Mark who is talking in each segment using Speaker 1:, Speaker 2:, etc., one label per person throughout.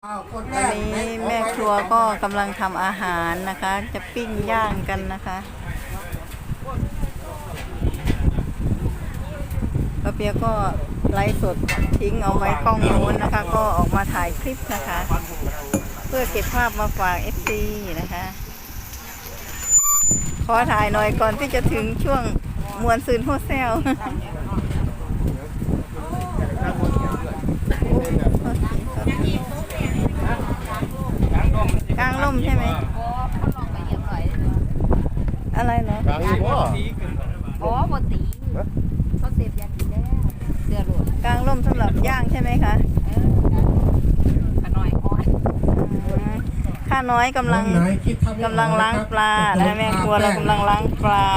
Speaker 1: วันนี้แม่ครัวก็กำลังทำอาหารนะคะ จะปิ้งย่างกันนะคะป้าเปียก็ไลฟ์สดทิ้งเอาไว้กล้องโน้นนะคะ ก็ออกมาถ่ายคลิปนะคะ เพื่อเก็บภาพมาฝาก FC นะคะ ขอถ่ายหน่อยก่อนที่จะถึงช่วงมวนซืนโฮเซลกลางร่มใช่ไหมอะไรเหรอกลางร่ม
Speaker 2: อ๋อปกติเขาเสพยาดีแล้วเสือหลุด
Speaker 1: กลางร่มสำหรับย่างใช่ไหมคะ
Speaker 2: ขน้อยอ่อน
Speaker 1: ข้าน้อยกำลังล้างปลาและแม่ครัวเรากำลังล้างปลา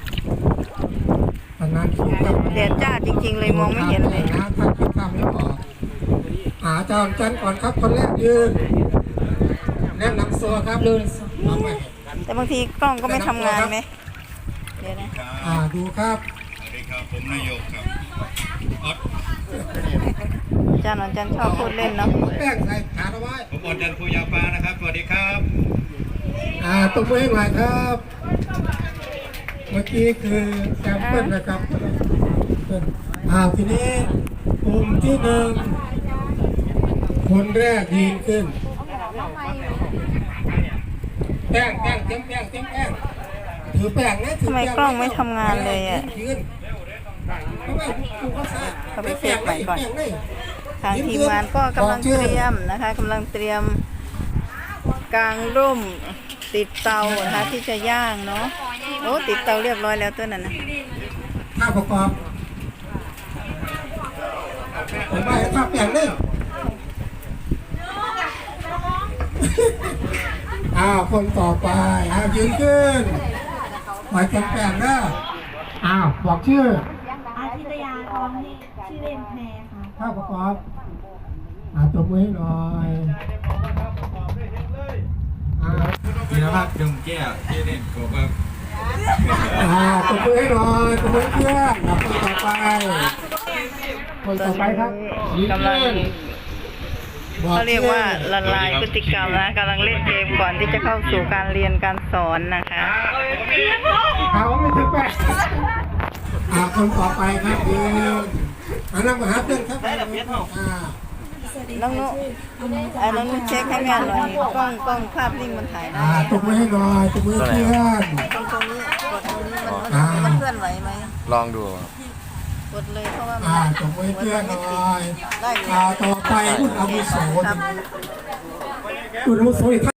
Speaker 1: แดดจ้าจริงๆเลยมองไม่เห็นเลย
Speaker 3: ถ้าคิดทำไม่ออกอาจารย์จันก่อนครับคนแรกยืนแนะนำตัวครับ
Speaker 1: แต่บางทีกล้องก็ไม่ทำงานไหมเดี๋ยวนะ
Speaker 3: ดูครับ
Speaker 4: สวัสดีครับผมนายกครับ
Speaker 1: อาจารย์ชอบพูดเล่นเนาะ
Speaker 3: แป้งใส่ขาเอาไว้
Speaker 4: ผมอดจันทร์ภูยาปานะครับสวัสดีครับ
Speaker 3: ตบมือให้หน่อยครับเมื่อกี้คือแซมเปิลนะครับทีนี้กลุ่มที่หนึ่งคนแรกยืนขึ้นแป้งเต็มแป้งถือแป้งนะ
Speaker 1: ทำไมกล้องไม่ทำงานเลยอ่ะเขาไปเซฟใหม่ก่อนทางทีมงานก็กำลังเตรียมนะคะกำลังเตรียมกางร่มติดเตานะคะที่จะย่างเนาะโอ้ติดเตาเรียบร้อยแล้วตัวนั้นนะ
Speaker 3: ข้าวประกอบผมไปข้าวแป้งเลยคนต่อไปยืนขึ้นหมายแป้งนะบอกชื่อ
Speaker 2: อาทิตยาทองนี่ชื่อเล่นแพรค่ะ
Speaker 3: ข้าวประกอบตบมือให้หน่อย
Speaker 4: ธีรพัฒน์ดงแก้วที่เล่นผมครับ
Speaker 3: ตบมือให้หน่อยตบมือเพื่อนคนต่อไปครับ
Speaker 1: กำลังเขาเรียกว่าละลายพฤติกรรมนะกำลังเล่นเกมก่อนที่จะเข้าสู่การเรียนการสอนนะคะ
Speaker 3: เขาไม่ถึงแปดคนต่อไปครับนั่งมาหาเพื่อนครับ
Speaker 1: น้องนุน้องนุเช็คให้แม่หน่อยกล้องภาพนิ่งมันถ่ายได้
Speaker 3: ตบมือให้หน่อยตบมือเพื่อน
Speaker 1: ตรงนี้กดตรงนี้มันเคลื่อนไหวไหม
Speaker 4: ลองดู
Speaker 1: กดเลยเพราะว่า
Speaker 3: ตบมือเพื่อนหน่อยต่อไปคุณอาวุโสคุณอาวุโส